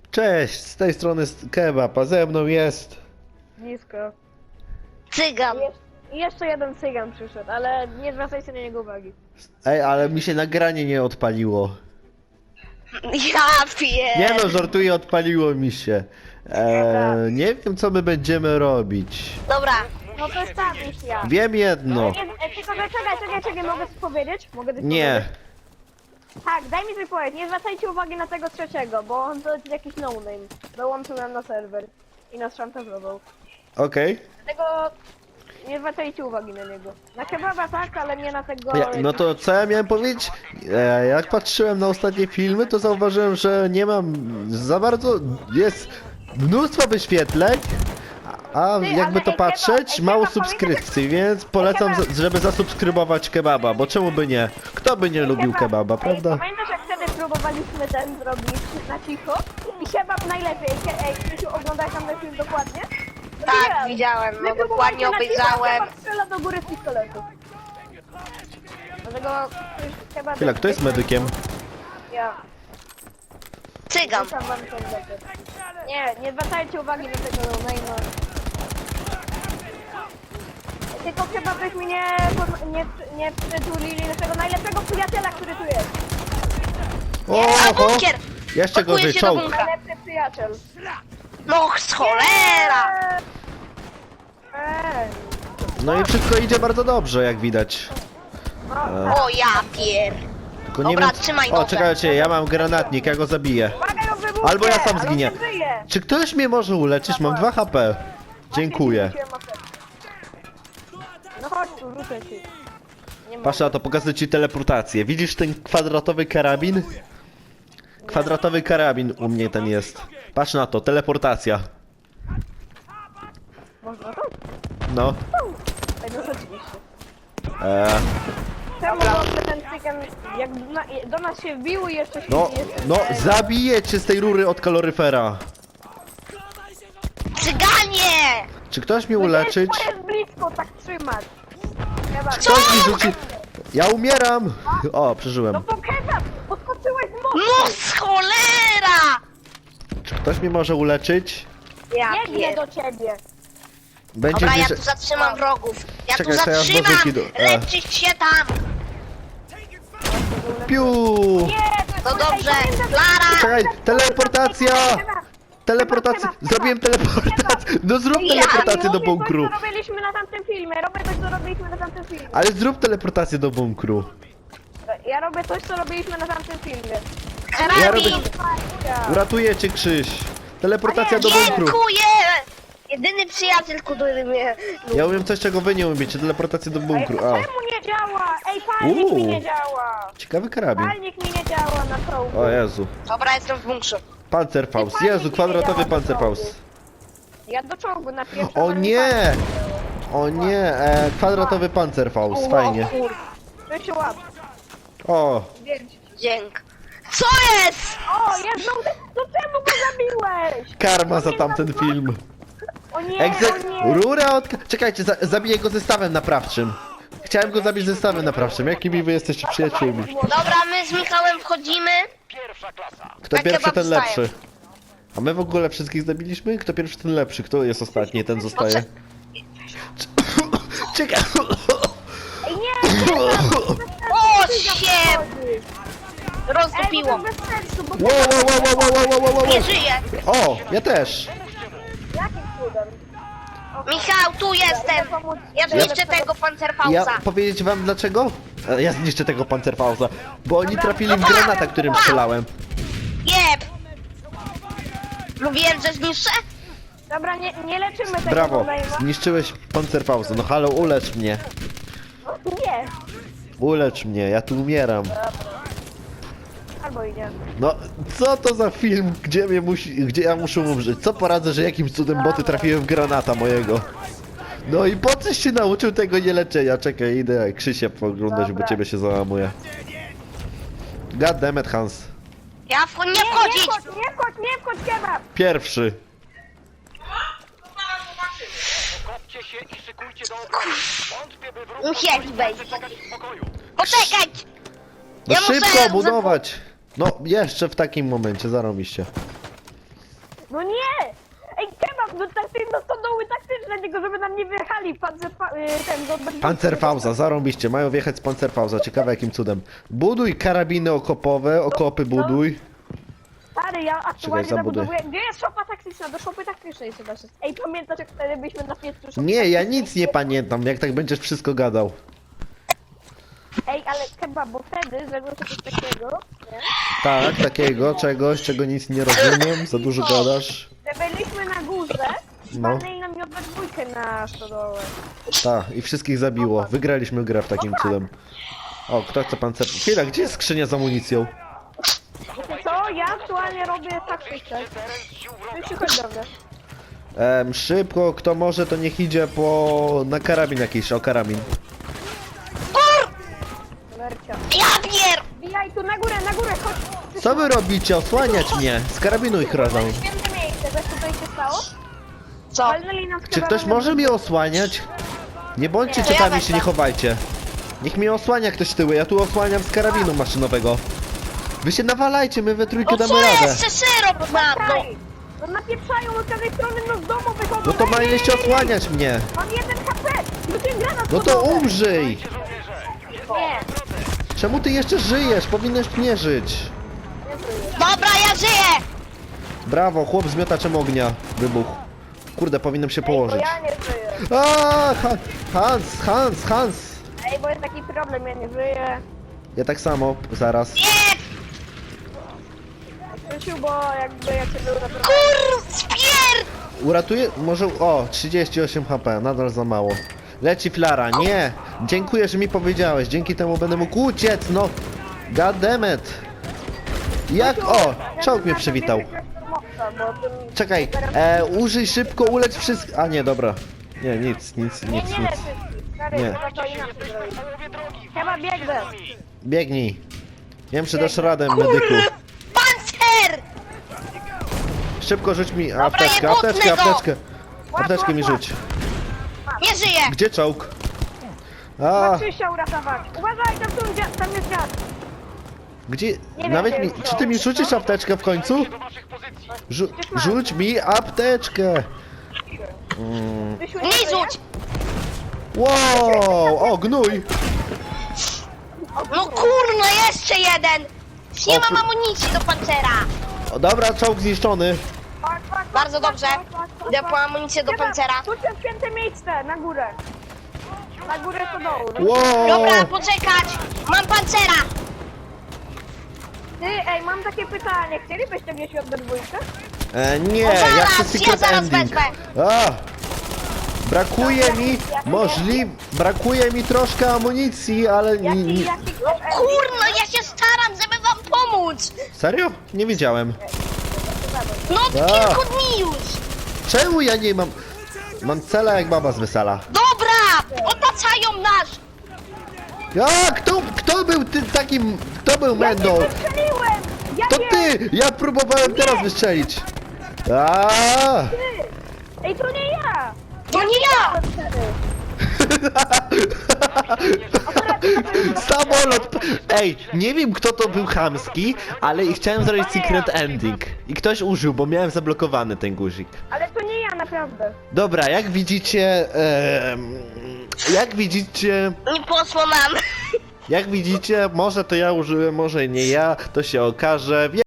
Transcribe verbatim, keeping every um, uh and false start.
Cześć, z tej strony Kebab, a ze mną jest... Nisko. Cygan. I, jeszcze, I jeszcze jeden cygan przyszedł, ale nie zwracajcie na niego uwagi. Ej, ale mi się nagranie nie odpaliło. Ja pier... Nie no, żartuję, odpaliło mi się. Eee, nie wiem, co my będziemy robić. Dobra. No to jest ta misja. Wiem jedno. Nie, e, tylko, że czekaj, czekaj, czekaj, mogę coś powiedzieć? Mogę coś Nie. powiedzieć? Tak, daj mi coś powiedzieć, nie zwracajcie uwagi na tego trzeciego, bo on to jest jakiś no-name. Dołączył nam na serwer i nas szantażował. Okej. Dlatego nie zwracajcie uwagi na niego. Na kebaba tak, ale nie na tego... Ja, no to co ja miałem powiedzieć? E, jak patrzyłem na ostatnie filmy, to zauważyłem, że nie mam za bardzo... Jest mnóstwo wyświetleń, a Ty, jakby ale to ej, patrzeć, Kebab, mało ej, Kebab, subskrypcji, więc polecam, Kebab. z- żeby zasubskrybować Kebaba, bo czemu by nie? Kto by nie lubił Kebaba, prawda? Ej, pamiętasz jak wtedy próbowaliśmy ten zrobić na cicho? I kebab najlepiej. Ej, Ej, Krzysiu, oglądałeś tam ten film dokładnie? No Tak, nie. widziałem, My no próbowaliśmy dokładnie na cicho, obejrzałem. a kebab strzela do góry z pistoletu. Dlatego kebab... Chwila, kto jest medykiem? Ja. Cygan. Rzucam wam tą rzeczy. Nie, nie zwracajcie uwagi na tego no-name'a. Tylko chyba byśmy nie, nie, nie przytulili naszego najlepszego przyjaciela, który tu jest. A Oho! bunkier! Jeszcze Pakuje gorzej, się do czołg. bunkra. Najlepszy przyjaciel. No z cholera! Ej. No i wszystko idzie bardzo dobrze, jak widać. E, O ja pier... tylko nie Dobra, wiem... trzymaj O, nogę. czekajcie, ja mam granatnik, ja go zabiję. Uwaga, ją wybuchnie, Albo ja sam ale on zginię. nie żyje. Czy ktoś mnie może uleczyć? Mam dwa H P. Dziękuję. Właśnie rzuciłem apteczkę. No chodź tu, rzucę ci. Nie ma. Patrz na to, pokażę ci teleportację. Widzisz ten kwadratowy karabin? Kwadratowy karabin u mnie ten jest. Patrz na to, teleportacja. Można to? No. Ej, no rzeczywiście. Eee, Czemu dobrze ten cygan, jak na, do nas się wbił i jeszcze się no, jeszcze... no, zabiję cię z tej rury od kaloryfera. Cyganie! Czy ktoś mnie uleczyć? To jest blisko, tak trzymać. Kebab. Ktoś mi rzuci... Ja umieram! O, przeżyłem. No to kebab! Podskoczyłeś z mostu! No z cholera! Czy ktoś mnie może uleczyć? Ja Biegnę pier... do ciebie! Będzie Dobra, ja gdzieś... tu zatrzymam wrogów. Ja Czekaj, tu to ja zatrzymam! znowu idę. E. Leczyć się tam! Piu! Nie, No ej, dobrze, pamiętam, że- Lara! Czekaj, teleportacja! Kebab, Teleportację! Kebab, kebab, Zrobiłem teleportację! No zrób Ja teleportację do robię coś, bunkru! co robiliśmy na tamtym filmie, robię coś, co robiliśmy na tamtym filmie. Ale zrób teleportację do bunkru. Ja robię coś, co robiliśmy na tamtym filmie. Ja robię... Karabin! Uratuję cię, Krzyś! Teleportacja do bunkru! Dziękuję! Jedyny przyjaciel, który mnie... Ja umiem coś, czego wy nie umiecie. Teleportację do Ej, bunkru. A, czemu nie działa? Ej, palnik Uuu. mi nie działa! ciekawy karabin. Palnik mi nie działa na czołgu. O Jezu. Dobra, jestem w bunkrze. Panzerfaust. Jezu, kwadratowy Panzerfaust. Ja do czołgu na pierwszym... O nie! O nie! E, kwadratowy Panzerfaust. Fajnie. To się łap. O! Dzięk. Co jest? O, jedną... To czemu go zabiłeś? Karma za tamten film. O nie, Egze... o nie. Rura od... Czekajcie, za zabiję go zestawem naprawczym. Chciałem go zabić zestawem naprawczym. Jakimi wy jesteście przyjaciółmi? Dobra, my z Michałem wchodzimy. Kto Tak pierwszy, chyba ten wstaję. lepszy. A my w ogóle wszystkich zabiliśmy? Kto pierwszy, ten lepszy. Kto jest ostatni, ten zostaje. Czekaj. Ej, nie, nie, O, się! Ej, Rozdupiło. bo to bez sensu, bo... Wow, wow, wow, wow, wow, wow, wow, wow. Nie żyję. O, ja też. Jakim cudem? Michał, tu jestem. Ja zniszczę tego Ja Panzerfausta. powiedzieć wam dlaczego? E, Ja zniszczę tego Panzerfausta. Bo oni trafili w granata, którym strzelałem. Jeb. Mówiłem, że zniszczę? Dobra, nie, nie leczymy tego Brawo, no-name'a. zniszczyłeś Panzerfausta. No halo, ulecz mnie. Nie, Ulecz mnie, ja tu umieram. albo idzie. No, co to za film, gdzie mnie musi, gdzie ja muszę umrzeć? Co poradzę, że jakimś cudem boty trafiły w granata mojego? No i po coś się nauczył tego nieleczenia? Czekaj, idę Krzysia poglądać, bo Dobra. ciebie się załamuje. God damn it, Hans. Ja w... nie Nie, nie wchodzić. wchodź, nie wchodź, nie wchodź, kebab! Pierwszy. Kopcie się i szykujcie do obrony. Wątpię, by wróg Musieli wejść. zaczekać w spokoju. Poczekać. No Ja muszę szybko za- budować! No, jeszcze w takim momencie, zarobiście. No nie! Ej, kebab, no tak, no to doły taktyczne, tylko żeby nam nie wjechali pancer, pa, y, ten, do, do, Pancerfauza, zarąbiście, mają wjechać z Pancerfauza, ciekawe jakim cudem. Buduj karabiny okopowe, okopy buduj. Stary, ja aktualnie Czekaj, zabuduj. zabudowuję. Gdzie jest szopa taktyczna? Do szopy taktycznej trzeba się... Ej, pamiętasz jak wtedy byliśmy na piecu szopy Nie, ja taktycznej? nic nie pamiętam, jak tak będziesz wszystko gadał. Ej, ale kebab, bo wtedy zrobiło się coś takiego, nie? Tak, takiego, czegoś, czego nic nie rozumiem, za dużo gadasz. Że byliśmy na górze i No. walnęli nam we dwójkę na stodołę. Tak, i wszystkich zabiło. Wygraliśmy grę w takim cudem. O, kto chce pancer... Chwila, gdzie jest skrzynia z amunicją? Wiecie co? Ja aktualnie robię taktykę. Już się chodź do mnie. Em, szybko, kto może, to niech idzie po... na karabin jakiś, o karabin. Mercia. Ja pier... Bijaj tu na górę, na górę, chodź. Co wy robicie? Osłaniać mnie! Z karabinu ich rodzą. Święte miejsce, wiesz co tutaj się stało? Co? Walnęli nas Czy kebabem ktoś we może mnie osłaniać? Nie bądźcie Nie. To ja ciekawi, się wezmę. nie chowajcie. Niech mnie osłania ktoś tyły, ja tu osłaniam z karabinu maszynowego. Wy się nawalajcie, my we trójkę No damy co radę. jeszcze syrop mam, no. Kraj. No napieprzają od każdej strony, no z domu wychodzą. No to Ej, ej, mieliście ej, ej. osłaniać mnie. Mam jeden H P! Rzuciłem granat No pod to nogę. umrzyj! Nie, Czemu ty jeszcze żyjesz? Powinieneś nie żyć. Dobra, ja żyję. Brawo, chłop z miotaczem ognia. Wybuchł. Kurde, powinienem się bo położyć. ja nie żyję. A, Ha- Hans, Hans, Hans. Ej, bo jest taki problem, ja nie żyję. Ja tak samo, zaraz. Nie, Krzysiu, bo jakby ja cię był naprawdę... kur... spier... Uratuję? Może... O, trzydzieści osiem H P, nadal za mało. Leci flara, nie! Dziękuję, że mi powiedziałeś, dzięki temu będę mógł uciec, no! God damn it! Jak? O! Czołg mnie przywitał. Czekaj, e, użyj szybko, ulecz wszystkich... A nie, dobra. Nie, nic, nic, Nie, nic, nie nic. leczy. Stary, Nie. trzeba to inaczej zrobić. Chyba biegnę. Biegnij. Nie wiem, czy dasz radę, medyku. Pancer! Szybko rzuć mi apteczkę, nie apteczkę, butnę go. apteczkę. Apteczkę mi rzuć. Nie żyję. Gdzie czołg? Ma A, Krzysia uratować. Uważaj, tam, tu, dzia- tam jest dziad. gdzie? wiem, Nawet gdzie mi... jest Czy ty mi czołg. rzucisz apteczkę w końcu? Rzu rzuć mi apteczkę! Mm. Krzysiu, Nie żyje? rzuć. Wow! O, gnój! No kurno, jeszcze jeden. Nie O, mam pr- amunicji do pancera. O, dobra, czołg zniszczony. Fuck, fuck, fuck, Bardzo fuck, dobrze. fuck, fuck, fuck, Idę fuck. po amunicję do Chyba, pancera. Tu się święte miejsce, na górę. Na górę to dołu. No. Wow! Dobra, poczekać. Mam pancera. Ty, ej, mam takie pytanie. Chcielibyście gdzieś od dwójkę? E, nie, O, ja zaraz, chcę ja secret zaraz ending. wezmę. A! Brakuje mi, możli... Brakuje mi troszkę amunicji, ale... Jaki, ni- ni- jaki No kurno, ja się staram, żeby wam pomóc. Serio? Nie wiedziałem. No od A. kilku dni już. Czemu ja nie mam... Mam cela jak baba z wesela. Dobra, otaczają nas. A, kto, kto był ty takim... Kto był Ja Mendą? nie wystrzeliłem! Ja To nie! ty! Ja próbowałem teraz wystrzelić. A! Ty! Ej, to nie ja! To nie ja. Samolot! Ej, nie wiem kto to był chamski, ale i chciałem zrobić secret ending. I ktoś użył, bo miałem zablokowany ten guzik. Ale to nie ja, naprawdę. Dobra, jak widzicie... em, jak widzicie... Nie poszło nam. Jak widzicie, może to ja użyłem, może nie ja, to się okaże.